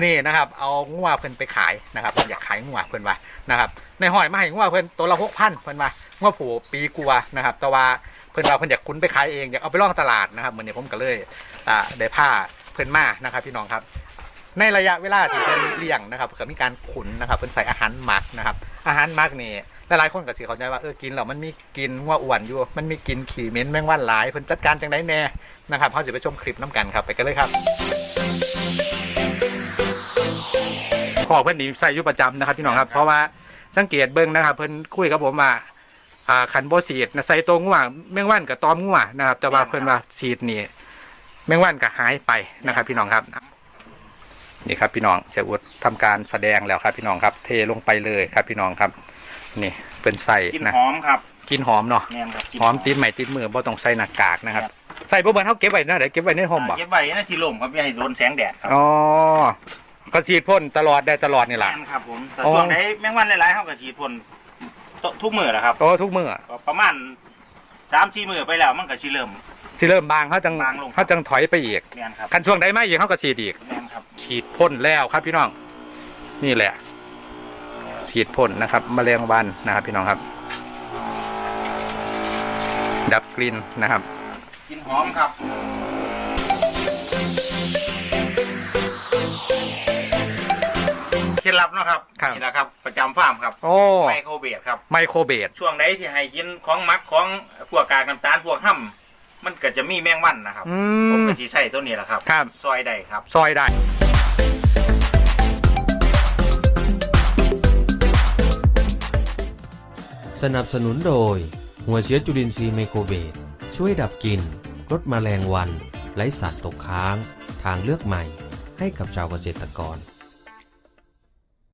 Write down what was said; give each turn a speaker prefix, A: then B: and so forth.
A: นี่นะครับเอางัวเพิ่นไปขายนะครับอยากขายงัวเพิ่นว่านะครับในหอยมาให้งัวเพิ่นตัวละ6,000เพิ่นว่างัวผูปีกัวนะครับแต่ว่าเพิ่นว่าเพิ่นอยากคุ้นไปขายเองอยากเอาไปล่องตลาดนะครับเหมือนนี้ผมก็เลยได้ผ้าเพิ่นมานะครับพี่น้องครับในระยะเวลาที่เพิ่นเลี้ยงนะครับก็มีการขุนนะครับเพิ่นใส่อาหารหมักนะครับอาหารหมักนี่หลายๆคนก็สิเข้าใจว่ากินแล้วมันมีกินงัวอ้วนอยู่มันมีกินขี้เหม็นแมงวันหลายเพิ่นจัดการจังได๋แน่นะครับเฮาสิไปชมคลิปน้ำกันครับไปกันเลยครับขอเพิ่นนี่ใส่อยู่ประจำนะครับพี่น้องครับเพราะว่าสังเกตเบิ่งนะครับเพิ่นคุยกับผมว่าขันบ่ฉีดใส่ตัวงัวแมงวันกับตอมงัวนะครับแต่ว่าเพิ่นว่าฉีดนี่แมงวันก็หายไปนะครับพี่น้องครับนี่ครับพี่น้องเสียอุดทำการแสดงแล้วครับพี่น้องครับเทลงไปเลยครับพี่น้องครับนี่เป็นใส่นะ
B: หอมครับ
A: กินหอมเนาะหอมติดใหม่ติดมือบ่ต้องใส่หน้ากากนะครับใส่บ่เบิ่นเฮาเก็บไว้นะเดี๋ยวเก็บไว้ในห้องบ่
B: เก็บไว้ในที่ร่มครับอย่าให้โดนแสงแดดครับ
A: อ๋อก็ฉีดพ่นตลอดได้ตลอดนี่แหละ
B: ครับผมแต่ช่วงไหนแมงวันหลายๆเฮาก็ฉีดพ่นทุกมื้อแหละครับ
A: ทุกมื้อ
B: ประมาณ 3-4 มื้อไปแล้วมันก็สิเริ่ม
A: บางเขาจังถอยไปอีกคันช่วงใดไม่อีกเขาก็ฉีดอีกฉีดพ่นแล้วครับพี่น้องนี่แหละฉีดพ่นนะครับแมลงวันนะครับพี่น้องครับดับกลิ่นนะครับ
B: กลิ่นหอมครับเคล็ดลับนะครับนี่แหละครับประจำฟาร์มครับไมโครเบสครับ
A: ไมโครเบส
B: ช่วงใดที่ให้กินของมักของพวกกากน้ำตาลพวกห่ำมันก็จะมีแมงวันนะครับผมก็จะใช้ตัวนี้แหละครับซอยได้ครับ
A: ซอยได้
C: สนับสนุนโดยหัวเชื้อจุลินทรีย์ไมโครเบสช่วยดับกลิ่นลดแมลงวันไล่สารตกค้างทางเลือกใหม่ให้กับชาวเกษตรกร